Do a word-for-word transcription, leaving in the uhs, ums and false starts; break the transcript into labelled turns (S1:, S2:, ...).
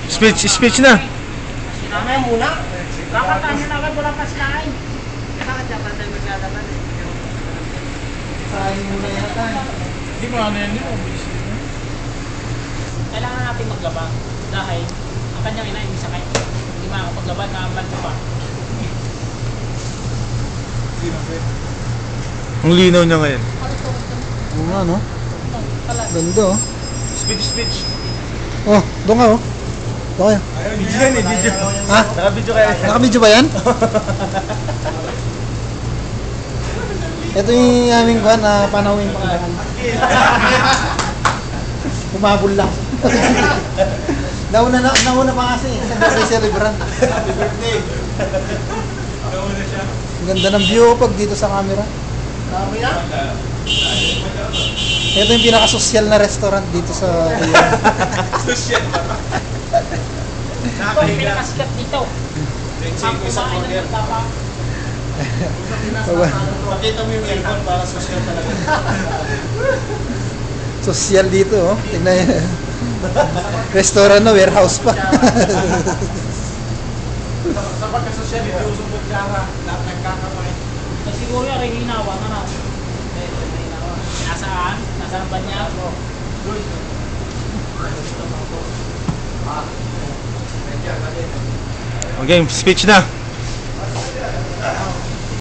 S1: Speech, speech na.
S2: Sinamay muna. Kakatahin na agad, wala pa sinain. Kakatahin tayo maglalaban eh. Sayang muna yata.
S3: Hindi mo ano yan yun.
S2: Kailangan natin maglaba. Dahil ang kanyang ina yung isa kayo. Hindi makakapaglaban na ang banto pa.
S1: Ang linaw niya ngayon.
S4: Oo nga, no? Ganda, oh.
S1: Speech, speech.
S4: Oh, doon ka, oh. Doon kayo.
S1: Video yan eh, video.
S4: Ha?
S1: Naka-video kaya.
S4: Naka-video ba yan? Ito yung aming kuhan na panawin pangalan. Humabol lang. nauna na, nauna pa kasi. Sa birthday celebration.
S1: Happy birthday.
S3: Nauna siya.
S4: Ang ganda ng view pag dito sa camera.
S2: Camera?
S4: Ito yung pinaka-social na restaurant dito sa...
S1: Social ba?
S2: Ito yung pinakasikat dito. Ang kumain ng nagtapa.
S1: Pakita mo yung aircon para social talaga.
S4: Social dito, oh. Tingnan yun. Restaurant na, warehouse pa.
S1: Sa pagka-social, hindi usong kara. Lahat nagkakamain.
S2: Siguro yung rin hinawa na na. Nasaan? Nasaan ba niya?
S1: Okay, speech na.